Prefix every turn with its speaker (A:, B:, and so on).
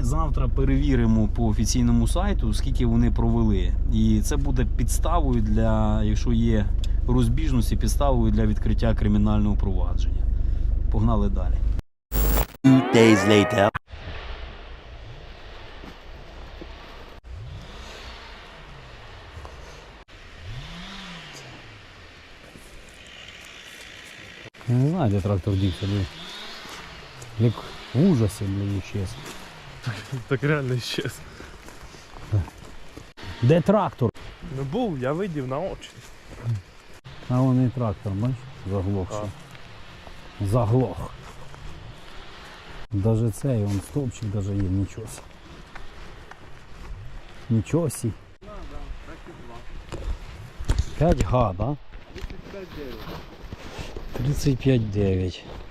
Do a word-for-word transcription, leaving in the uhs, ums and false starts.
A: завтра перевіримо по офіційному сайту, скільки вони провели. І це буде підставою для, якщо є розбіжності, підставою для відкриття кримінального провадження. Погнали далі.
B: Two days later.
A: Я не знаю, де трактор дівся, блін. Як в ужасі, блін, ісчез.
C: Так реально исчез.
A: Де трактор?
C: Ну був, я видів на очі.
A: А вон і трактор, бачиш? Заглохший. Заглох. Даже цей, он стовпчик даже є, нічого сі. Нічого сі. п'ять га, да? тридцять п'ять дев'ять.